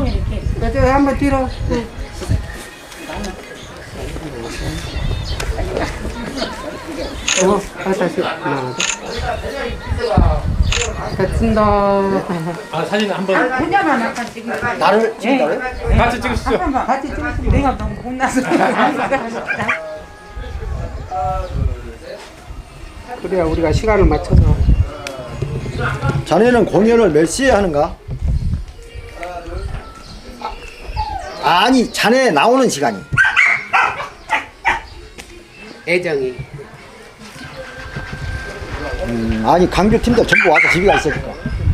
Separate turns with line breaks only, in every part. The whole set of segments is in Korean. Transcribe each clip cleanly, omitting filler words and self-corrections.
저 한번 뒤로. 다시 하나, 됐습니다.
아 사진 한번
그냥만 아까 찍은
나를 찍는다고요?
같이 찍으시죠.
한번 같이 찍으시면 내가 너무 혼나서. 그래야 우리가 시간을 맞춰서.
자네는 공연을 몇 시에 하는가? 아니 자네 나오는 시간이
애정이.
아니 강주 팀들 전부 와서 집에가 있으니까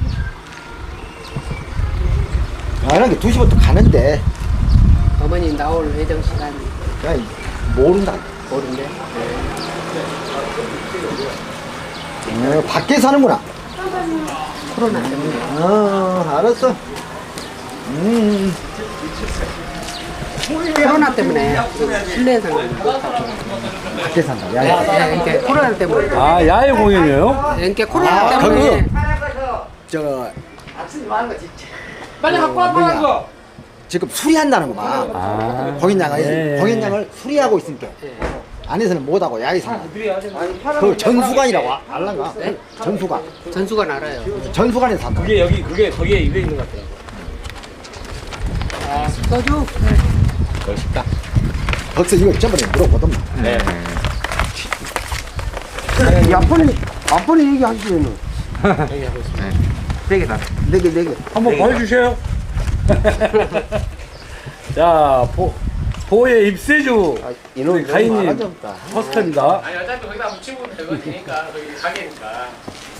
이런 게 2시부터 가는데
어머니 나올 애정 시간
그냥 모른다.
모른대.
밖에 사는구나.
코로나 때문에.
알았어.
코로나 때문에 실내에서는
밖에 산다. 야,
이렇게 코로나 때문에.
아 야외 공연이에요?
이렇게 코로나 때문에.
저
빨리 갖고 와봐 이거.
지금 수리한다는구만. 공연장을 수리하고 있으니까 안에서는 못하고 야외 산다. 그 전수관이라고 알란가? 전수관.
전수관 알아요.
전수관에서 산다.
그게 거기에 입에 있는 것 같아요.
소주.
멋있다.
벌써 이거 저번에 물어보더만.
네.
앞번에 얘기하시면은
얘기하고 있습니다.
네 개.
한번 보여주세요. 자, 보의 입세주 우리 가인님 포스터입니다.
아니 어차피 거기다 붙이고 되면 되니까 거기 가게니까.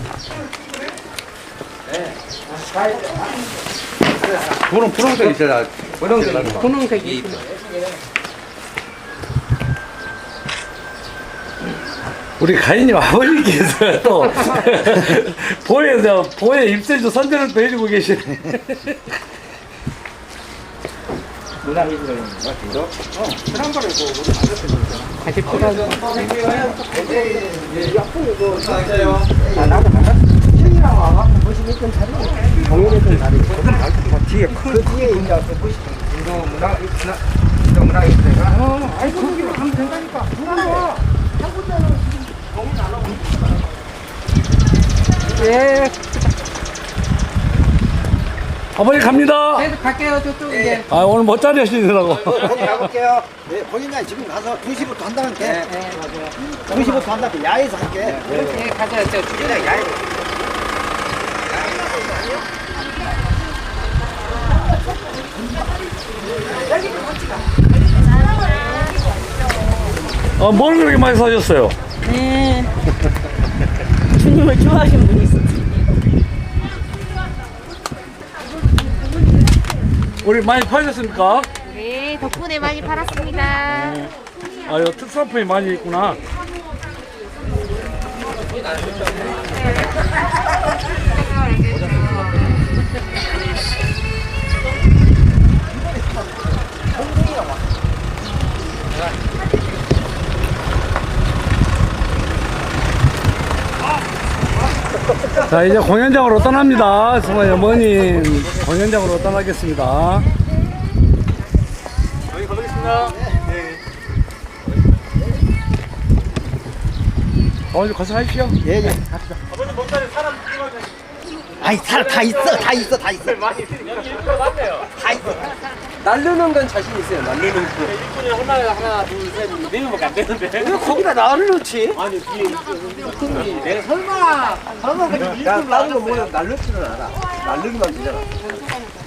분홍색 있잖아.
분홍색이 있어.
우리 가인님 아버님께서 또 보의 입세주 선전을 또 해주고 계시네.
다시 필요하죠.
뒤에 그 뒤에 이제
아이 거기로 가면 된다니까. 예.
아버님 갑니다.
계속 갈게요 저쪽 이제.
아 오늘 멋자리 하시느라고.
거기 가볼게요. 네, 공연장 지금 가서 2시부터 한다는 게.
네 맞아요.
2시부터 한다는 게 야외에서 할게.
예 가자 저 주차장 야외.
뭘 그렇게 많이 사셨어요?
네. 주님을 좋아하시는 분이 있었지.
우리 많이 파셨습니까?
네, 덕분에 많이 팔았습니다.
아, 이거 특산품이 많이 있구나. 자, 이제 공연장으로 떠납니다. 정말 어머님 공연장으로 떠나겠습니다. 여기 가보겠습니다. 어머니 가서 하십시오.
예, 예. 갑시다.
아버님 몸살에 사람
아이, 사람 다 있어. 다 있어.
많이 여기 일꾼 많네요.
다 있어.
날르는 건 자신 있어요. 날르는 거.
일꾼이 하나, 둘, 셋, 네 명밖에 안 되는데.
왜 거기다 나를 넣지?
아니 뒤에 일꾼이
내가 설마 그렇게 일꾼 나는 거 몰라 날르지는 않아. 날르기만 되잖아.